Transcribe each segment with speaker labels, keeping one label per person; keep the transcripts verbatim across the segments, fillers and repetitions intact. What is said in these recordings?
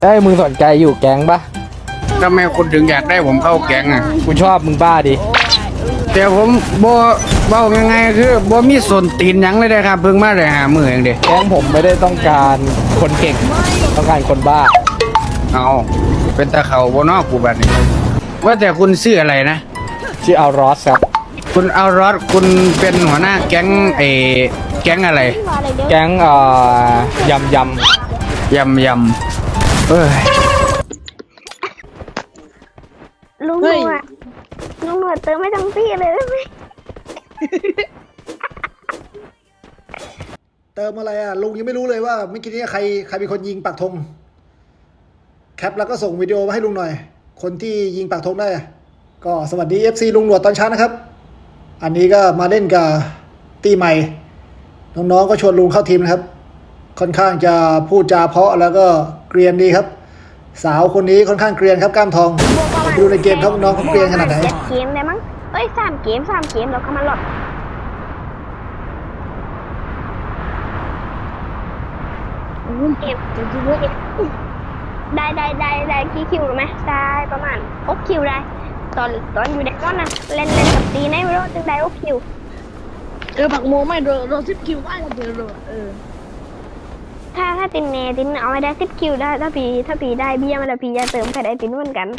Speaker 1: เอ้ยมึงสนใจอยู่แก๊งปะ
Speaker 2: ทำไมคุณถึงอยากได้ผมเข้าแก๊งอ่ะ
Speaker 1: กูชอบมึงบ้าดิ
Speaker 2: แต่ผมบ่บ่ยังไงคือบ่มีส่วนตีนหยังเลยนะครับเพิ่งมาได้หามือเองเด้
Speaker 1: แก๊งผมไม่ได้ต้องการคนเก่งต้องการคนบ้า
Speaker 2: เอาเป็นตาเขาบ่นอกกูบัดนี้ว่าแต่คุณชื่ออะไรนะ
Speaker 1: ชื่ออัลรอสครับ
Speaker 2: คุณอัลรอสคุณเป็นหัวหน้าแก๊งเอแก๊งอะไร
Speaker 1: แก๊งเอ่อยำย
Speaker 2: ำยำยำเอ้ย
Speaker 3: ลุงหนวดลุงหนวดเติมไม่ทั้งพี่เลยได้ไหม
Speaker 4: เติมอะไรอ่ะลุงยังไม่รู้เลยว่าเมื่อกี้นี้ใครใครเป็นคนยิงปักธงแคปแล้วก็ส่งวิดีโอมาให้ลุงหน่อยคนที่ยิงปักธงได้ก็สวัสดี เอฟ ซี ลุงหนวดตอนเช้านะครับอันนี้ก็มาเล่นกับตีใหม่น้องๆก็ชวนลุงเข้าทีมนะครับค่อนข้างจะพูดจาเพราะแล้วก็เกรียนดีครับสาวคนนี้ค่อนข้างเกรียนครับกล้ามทองดูในเกมครับน้องเขาเกรียนขนาดไหน
Speaker 3: เกมได้มั้งเอ้ยสามเกมสามเกมแล้วก็มาหลอดเกมได้ได้ได้ได้กี่คิวรู้ไหมได้ประมาณหกคิวได้ตอนตอนอยู่ในก้อนนะเล่นเล่นกับตีในไม่รู้จะได้หกคิว
Speaker 5: เออผักโมไม่โดนโดนสิบคิวได้ก็เดือดเออ
Speaker 3: ถ้าถ้าตินเนตินเอาไม่ได้สิบคิวได้ถ้าปีถ้าปีได้เบี้ยมาแล้วปีจะเติมใครได้ตินเหมือนกัน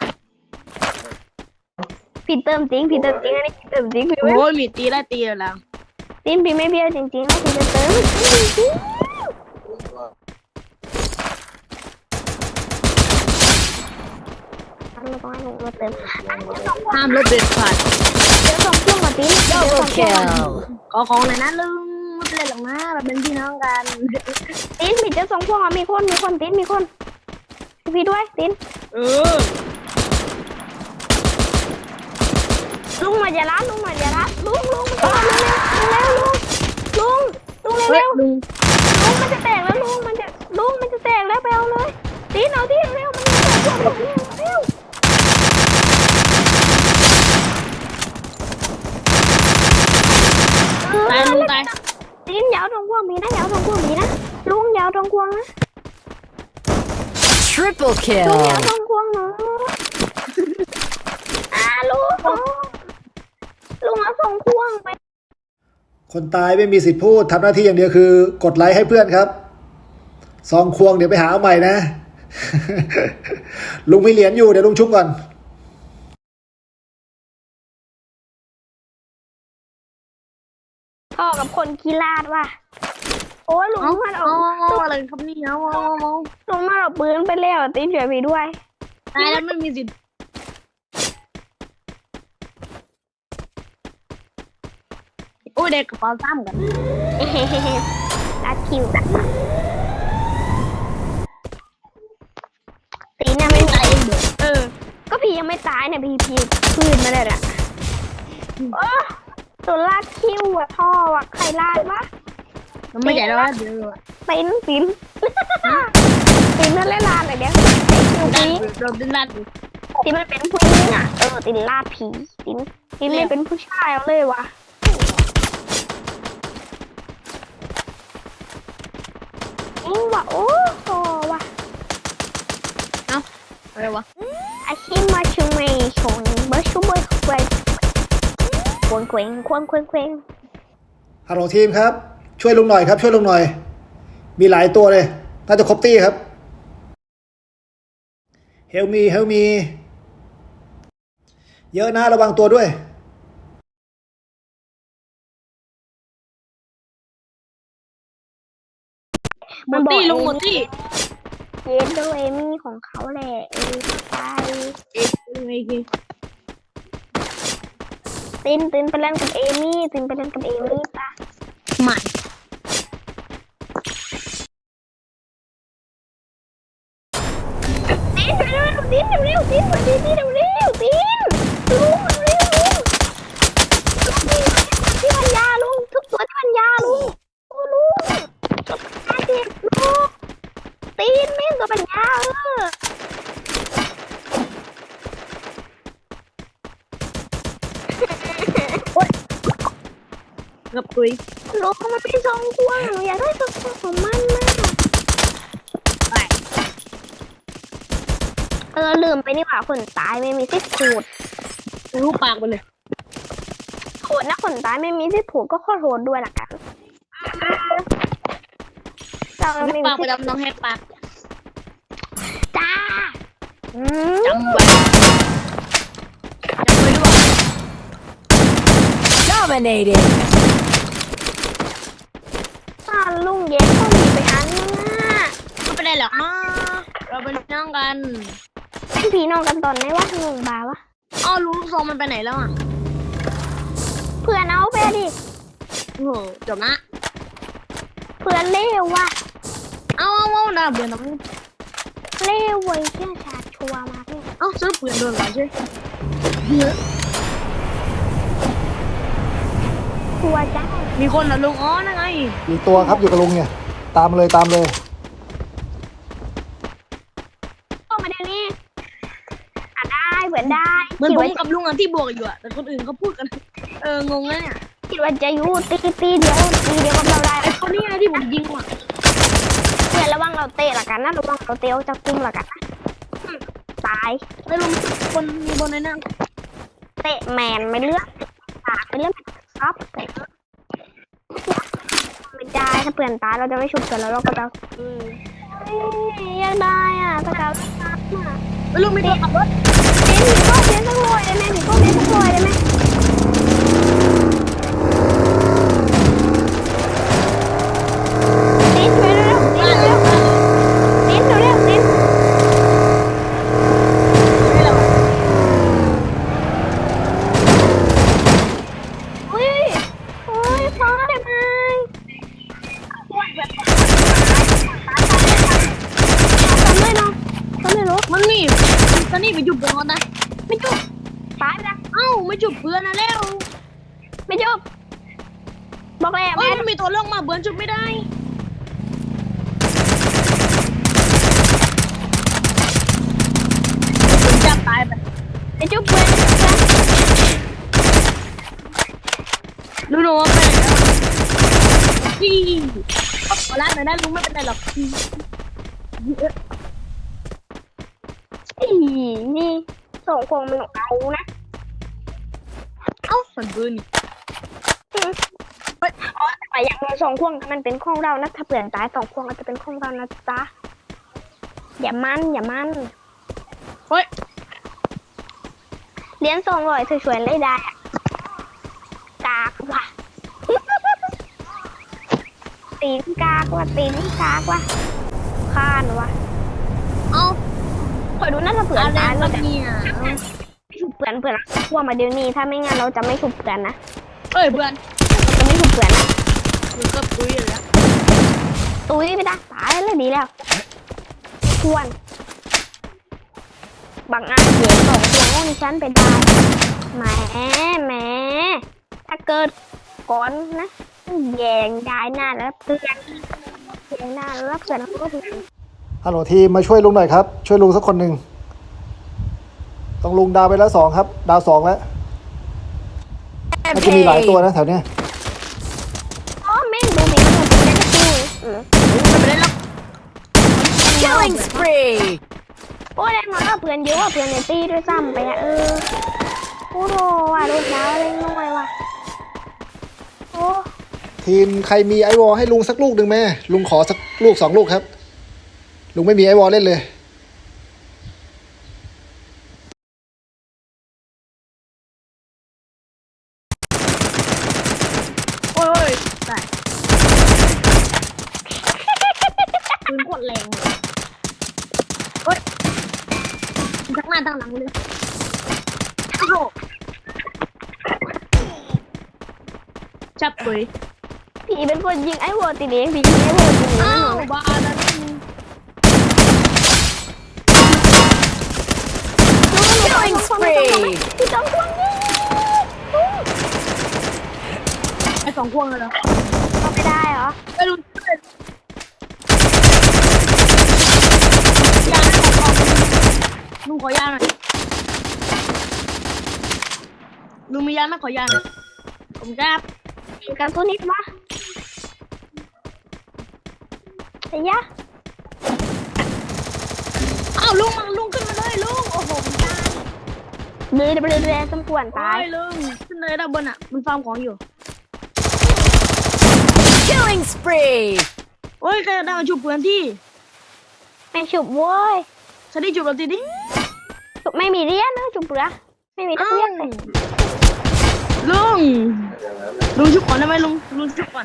Speaker 3: พี่เติมจริงพี่เติมจริงอันนี้เติมจริงพี่
Speaker 5: โอ้ยมีตีได้ตีแล้ว
Speaker 3: ตินพี่ไม่เบี้ยจริงๆนะพี่จะเติมเราต้องให้ลุงมาเติม
Speaker 5: ห้ามลบเด็ดขาด
Speaker 3: เดี๋ยวส่งเครื่องมาตินเดี๋ยวส่งเครื่อง
Speaker 5: ขอของหน่อยนะลุงไม่เป็นไรหรอกนะเราเป็นพี่น้องกัน
Speaker 3: ตินมีเจ้าสองพวงมีคนมีคนตินมีคนพี่ด้วยติน
Speaker 5: เออ
Speaker 3: ลุงมาอย่าล้าลุงมาอย่าล้าลุงลุงมาเร็วเร็วลุงลุงลุงเร็วเร็วลุงลุงมันจะแตกแล้วลุงมันจะลุงมันจะแตกแล้วไปเอาเลยตินเอาที่เร็วมันจะแตกเร็วเร็ว
Speaker 5: ตายลุงตาย
Speaker 3: ตินยาวตรงพวงมีนะยาวตรงพวงมีนะลุงยาวตรงพวงนะ
Speaker 6: Triple kill
Speaker 3: ลุงยาวตรงพวงเนาะอ่าลุงลุงเอาส่งพวงไป
Speaker 4: คนตายไม่มีสิทธิ์พูดทำหน้าที่อย่างเดียวคือกดไลค์ให้เพื่อนครับซองควงเดี๋ยวไปหาเอาใหม่นะ ลุงมีเหรียญอยู่เดี๋ยวลุงชุบก่อน
Speaker 3: พ่อกับคนขี้ลาดว่ะโอ้ลุงมันออก
Speaker 5: อะไรครับนี่เอา
Speaker 3: ลุงมันเอาปืนไปแล้วตีเฉยไปด้วย
Speaker 5: ตายแล้วไม่มีสิทธิ์โอ้ยเด็กกระเป๋าซ้ำกัน
Speaker 3: ลัดคิวตีน่ะไม่ตายเออก็พี่ยังไม่ตายเนี่ยพี่พี่พื้นมาเลยอ่ะโอ้ตัวลาดคิวอ่ะท่ออ่ะใครลาดวะ
Speaker 5: มันไม่ใหญ่แล้วเดี๋ยว
Speaker 3: ตินตินตินนั่นเล่นลาดอะไรเดี๋ยวคิวพี
Speaker 5: เราตินลาด
Speaker 3: ตินมันเป็นผู้หญิงอ่ะเออตินลาดผีตินตินเลยเป็นผู้ชายเอาเลยวะอิงว่ะโอ้โหว่ะ
Speaker 5: เอ้าอะไรวะ
Speaker 3: อาชีพมาชุมไม่ชงเบอร์ชูเบอร์เควงควงเควงควงเควงเควง
Speaker 4: ฮัลโหลทีมครับช่วยลุงหน่อยครับช่วยลุงหน่อยมีหลายตัวเลยน่าจะครบตี้ครับเฮลมีเฮลมีเยอะนะระวังตัวด้วย
Speaker 5: หมดตี้ลุงหมดตี้
Speaker 3: เจนโดเอมี่ของเขาแหละเออไป
Speaker 5: เอ๊ะไงกี่
Speaker 3: ตินตินไปเล่นกับเอมี่ตินไปเล่นกับเอมี่ปะ
Speaker 5: ไม่
Speaker 3: ตินเร็วตินเร็วตินตินตินเร็วตินลุงเร็วลุงที่พันยาลุงทุกตัวที่พันยาลุงโอ้ลุงอาเด็กลุงตีนแม่งตัวปัญญาเออ
Speaker 5: กับปุย
Speaker 3: ลุงมันเป็นทรงกว้างอยากได้ทรงของมันมากเออลืมไปนี่หว่าคนตายไม่มีสิทธิ์พูด
Speaker 5: รูปปากไปเลย
Speaker 3: โหดนะคนตายไม่มีสิทธิ์พูดก็ขอโทษด้วยละกันเรา
Speaker 5: แห
Speaker 3: ไม่
Speaker 5: ก
Speaker 3: มี
Speaker 5: ปากไป
Speaker 3: สิทธิ์
Speaker 5: ดำน้องแหกปาก
Speaker 3: จ้าอืม
Speaker 5: จำไว้จำไว้ด้วย
Speaker 6: Dominated.
Speaker 3: ถ้าลุงแย้ก็มีไปอันนึงอ่ะ
Speaker 5: ไม่เป็นไรหรอกเนาะเราเป็นน้องกัน
Speaker 3: เป็นพี่น้องกันตอนไหนวะงงบาวะ
Speaker 5: อ้าวรู้ลูกซองมันไปไหนแล้วอ่ะ
Speaker 3: เพื่อนเอาไปดิ
Speaker 5: โอ้โหจบนะ
Speaker 3: เพื่อนเลวว่ะ
Speaker 5: เอาเอาเอาดาเบื่อน้อง
Speaker 3: เลวเว้ยเชื่อชาติชัวร์มากเลย
Speaker 5: เอ้าซื้อปืนโดนก่อนใช่
Speaker 3: ชัวร์จ้า
Speaker 5: มีคนนะลุงอ๋อนั่นไง
Speaker 4: มีตัวครับอยู่กับลุงเนี่ย ตามมาเลยตามเลย
Speaker 3: ออกมาเดี๋ยวนี้อ่ะได้เหมือนได้
Speaker 5: เหมือน
Speaker 3: คิด
Speaker 5: ผม
Speaker 3: ว่า
Speaker 5: กับลุงอ่ะที่บวกอยู่อ่ะแต่คนอื่นเขาพูดกันเอองงนะเนี่ย
Speaker 3: คิดว่าจะอยู่ตีตีเดียวตีเดียวกับเราได้
Speaker 5: ไอ้คนนี้ไงที่ผมยิงอ่ะ
Speaker 3: เพื่อนระวังเราเตะละกันนะระวังเราเตะจะกุ้งละกันนะอืมตาย
Speaker 5: ไอ้ลุงคนมีบนในนั่ง
Speaker 3: เตะแมนไม่เลือกปากไม่เลือกซับไม่ได้ถ้าเพื่อนตายเราจะไม่ชุบกันแล้วเราก็จะเฮ้ยยังได้อ่ะสกาวซับอ่ะ
Speaker 5: ไอ้ลุงมีตัวขับรถ
Speaker 3: เลี้ยงผีก็เลี้ยงสักหน่อยได้ไหมผีก็เลี้ยงสักหน่อยได้ไหมติ๊นไปเร็วๆติ๊นเร็วๆติ๊นเร็วๆติ๊น
Speaker 5: ไม่หรอก
Speaker 3: อุ้ยอุ้ยพอได้ไหมทำไม่เนาะทำไม่รู้
Speaker 5: มันมีตอนนี้ไปจุบเพื่อนนะ
Speaker 3: ไม่จุบตายไปละ
Speaker 5: เอ้าไม่จุบเพื่อนนะแล้ว
Speaker 3: ไม่จุบบอกแล้ว
Speaker 5: เอ้
Speaker 3: แม่
Speaker 5: ยมันมีตัวเรื่องมาเพื่อนจุบไม่ได้ผมจับตายไป
Speaker 3: ไม่จุบเพื่อน
Speaker 5: รู้หนูว่าไปไหนแล้วพี่ขอร้านหน่อยได้ลุงไม่เป็นไรหรอก
Speaker 3: อีนี่ส่งพวงมันเอานะ
Speaker 5: เอ้าสันปืน
Speaker 3: เฮ้ยอ๋อแต่อย่างเราสองพวงมันเป็นของเรานะถ้าเปลี่ยนตายสองพวงอาจจะเป็นของเรานะจ๊ะอย่ามันอย่ามัน
Speaker 5: เฮ้ย
Speaker 3: เลี้ยงสองร้อยสวยๆเลยได้อะกากว่ะ ตีนกากว่ะตีนกากว่ะข้านว่ะ
Speaker 5: เอ้า
Speaker 3: คอยดูนะถ้าเผื่อ
Speaker 5: อะไร
Speaker 3: ตายเรา
Speaker 5: วะ
Speaker 3: จะ
Speaker 5: เนี่ย
Speaker 3: ไม่ฉุบเปลือนเปลือนพวกมาเดี๋ยวนี้ถ้าไม่งั้นเราจะไม่ฉุบเปลือนนะ
Speaker 5: เอ้ยเพื่อน
Speaker 3: เราจะไม่ฉุบเปลือนนะ
Speaker 5: มึงก็ปุ้ยเลยนะ
Speaker 3: ตุ้ยไปได้ตายเลยดีแล้วควรบางอันเสียสองพวงของฉันไปได้แหมแหมถ้าเกิดก่อนนะแยงได้หน้าแล้วเปลือนแยงหน้าแล้วเปลือนก็เปลือน
Speaker 4: ฮัลโหลทีมมาช่วยลุงหน่อยครับ ช่วยลุงสักคนหนึ่งต้องลุงดาวไปแล้วสองครับ ดาวสองแล้วมันจะมีหลายตัวนะแถวเนี้ย
Speaker 3: อ๋อแม่งดูมีหมดเลยนะคืออืม
Speaker 5: ไม่เป็นไรหรอก
Speaker 6: Killing spree.
Speaker 3: โอ้ยแน่นอนว่าเพื่อนเยอะกว่าเพื่อนในตีด้วยซ้ำไปอะเออโอ้โหว่ะโดนดาวเล่นน้อยว่ะโอ้
Speaker 4: ทีมใครมีไอวอลให้ลุงสักลูกหนึ่งไหมลุงขอสักลูกสองลูกครับ ลุงไม่มีไอวอลเล่นเลย
Speaker 5: โอ้ยตายปืนโคตรแรงเลยเฮ้ยทั้งหน้าทั้งหลังเลยโอ้โหจับปุ้ย
Speaker 3: ผีเป็นคนยิงไอ้วัวตีเองผียิงไอ้วัวตีเอง
Speaker 5: อ้า
Speaker 3: แน่นอ
Speaker 5: วน บ้าแล้วนี่
Speaker 6: Killing spree.
Speaker 3: พี่ต้องควงยิง
Speaker 5: ไอ้สองพวงเลยเหรอ
Speaker 3: ก็ไม่ได้เหรอ
Speaker 5: ไอ้ลุงยาขอลุงขอยาหน่อยลุงมียาไหมขอยาหน่อยผมครับ
Speaker 3: ยิงกันตัวนิดวะไอ้ยะ
Speaker 5: อ้าวลุงมาลุงขึ้นมาเลยลุ
Speaker 3: เดือดเดือดเดือดสมควร
Speaker 5: ตา
Speaker 3: ตาย
Speaker 5: ยลุงขึ้นเลยด้านบนอ่ะมันฟาร์มของอยู่
Speaker 6: Killing spree.
Speaker 5: โอ้ยใครได้มาชุบเพื่อนที่
Speaker 3: ไม่ฉุบเว้ย
Speaker 5: ฉันได้ชุบเราทีดิ
Speaker 3: ฉุบไม่มีเรียนนะฉุบเปลือไม่มีทักเรียนเลย
Speaker 5: ลุงลุงชุบก่อนได้ไหมลุงลุงชุบก่อน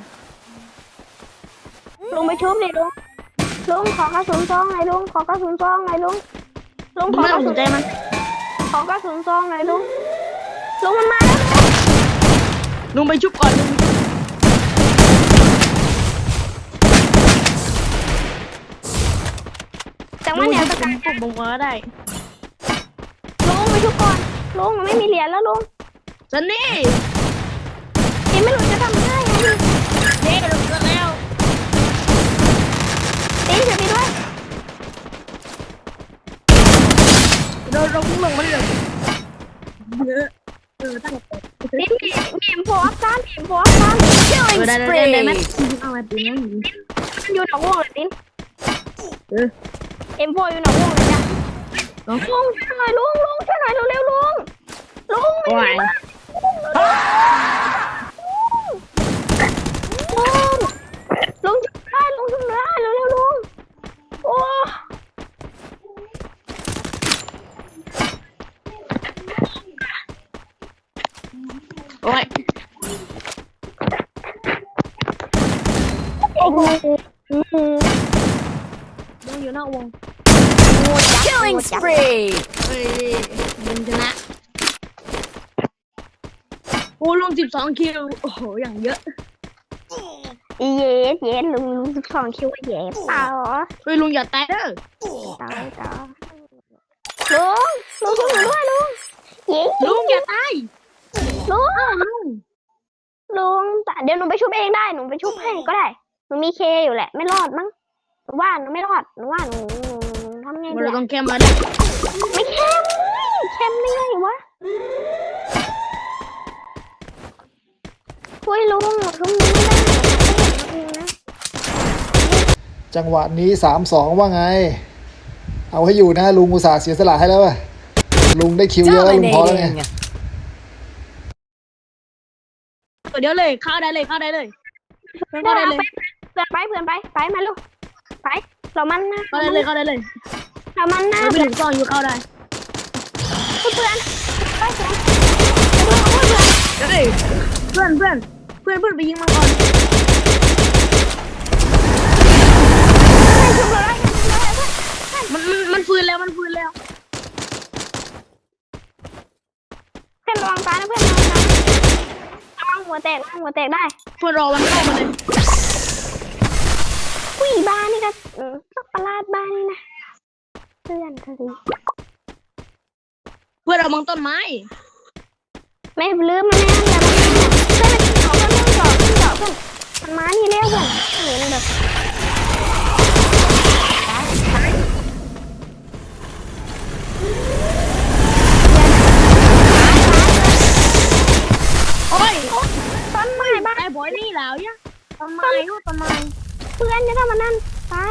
Speaker 3: ลุงไปชุบดิลุงลุงขอกระสุนซองหน่อยลุงขอกระสุนซองหน่อยลุงลุง
Speaker 5: ลุ
Speaker 3: ของ
Speaker 5: ไม่
Speaker 3: ก
Speaker 5: ต้อ
Speaker 3: ระ
Speaker 5: งส
Speaker 3: สุ
Speaker 5: น
Speaker 3: น
Speaker 5: ใจมัน
Speaker 3: ขอกระสุนซองหน่อยลุงลุงมันมาแล้ว
Speaker 5: ลุงไปชุบก่อนลุง
Speaker 3: จังห
Speaker 5: ลุ
Speaker 3: วะ
Speaker 5: ง
Speaker 3: เนี้ย
Speaker 5: ชุ
Speaker 3: ส
Speaker 5: บ
Speaker 3: กัด
Speaker 5: ผมผมก็ได้
Speaker 3: ลุงไปชุบก่อนลุงมันไม่มีเหรียญแล้วลุง
Speaker 5: ฉันนี่
Speaker 3: ยังไม่รู้จะทำยังไงไง
Speaker 5: เด็กลุงก็แล้ว
Speaker 3: ตีช่วยพี่ด้วย
Speaker 5: เราเราพุ่งลงมาเลยเยอะเออตั้งแต่
Speaker 3: ตีมีมีมโฟอัพซ้ำมีมโฟอัพซ้ำ
Speaker 5: เออได้ได้ได้ไหมเอามาตีนั้น
Speaker 3: มันอยู่หนองวงเลยติน
Speaker 5: เออ
Speaker 3: เอ็มโฟอยู่หนองวงเลยจ้ะ
Speaker 5: เนาะ
Speaker 3: ลุงช่วยหน่อยลุงลุงช่วยหน่อยเร็วๆลุงลุง
Speaker 5: โอ้ย
Speaker 3: ลุงลุงช่วยได้ลุงช่วยได้เร็วๆลุงโอ้
Speaker 5: โอ้ย
Speaker 3: โอ้โห
Speaker 5: ลุงอยู่นอกวง
Speaker 6: Killing spree.
Speaker 5: เฮ้ยมึงชนะโอ้ลุงสิบสองคิวโอ้โหอย่างเยอะ
Speaker 3: เย็ดเย็ดลุงลุงสิบสองคิวเย็ดเปล่าเหรอ
Speaker 5: เฮ้ยลุงอย่าตายเด้อ
Speaker 3: ตายต่อลุงลุงช่วยหนูด้วยลุงเย็ด
Speaker 5: ลุงอย่าตาย
Speaker 3: ลุง
Speaker 5: อ้าวลุง
Speaker 3: ลุงแต่เดี๋ยวหนูไปชุบเองได้หนูไปชุบให้ก็ได้หนูมีเคอยู่แหละไม่รอดมั้งหนูว่าหนูไม่รอดหนูว่าหนูหนูหนูทำไงดี
Speaker 5: เรา
Speaker 3: อะ
Speaker 5: ต้องแคมมาดิ
Speaker 3: ไม่เข้มเข้มได้ไงวะคุยลุงลุงไม่ได้นะ
Speaker 4: จังหวะนี้สามสองว่าไง เอาให้อยู่นะลุงอุตส่าห์เสียสละให้แล้วอะลุงได้คิวเยอะแล้วลุงพอแล้วไง
Speaker 6: Dominating.
Speaker 5: เดี๋ยวเลยเข้าได้เลยเข้าได้เลยเข้าได้เลย
Speaker 3: เพื่อนไปเพื่อนไปไปมาลูกไปเรามันนะ
Speaker 5: เข้าได้เลยเข้าได้เลย
Speaker 3: เรามันนะ
Speaker 5: เราไป
Speaker 3: เพื่อน
Speaker 5: ถึงกองอยู่เข้าได้
Speaker 3: เพื่อนไปเพื่อน
Speaker 5: เฮ้ยเพื่อนเพื่อนเพื่อนเพื่อนไปยิงมันก่อน
Speaker 3: ชุบเลย
Speaker 5: มันมันมันฟื้นแล้วมันฟื้นแล้ว
Speaker 3: เพื่อนระวังตายนะเพื่อนระวังตายระวังหัวแตกระวังหัวแตกได้
Speaker 5: เพื่อนรอมันเข้ามาเลย
Speaker 3: ผู้หญิงบ้านนี่ก็สักประหลาดบ้านนี่นะเพื่อนเธอดิ
Speaker 5: เพื่อนเราบังต้นไม้
Speaker 3: ไม่ลืมมันแน่เลยเพื่อนมันเขาเพื่อนเพื่อนหยอกเพื่อนหยอกเพื่อนมันมานี่เร็วเพื่อนเห็นแบบ
Speaker 5: โอ้ย
Speaker 3: ต้นไม้บ้าน
Speaker 5: ไอ้บอยนี่แล้วเนี่ยต้นไม้ลูกต้นไม้
Speaker 3: เพื่อนจะทำมันนั่นตาย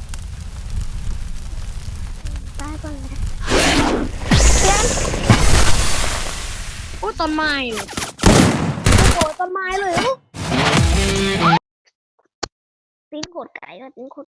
Speaker 3: ตายก่อนเลยเพื่อน
Speaker 5: โอ้ต้นไม้เลยโอ้ต้นไม้เลยลูก
Speaker 3: ตีนโคตรไก่เลยตีนโคตร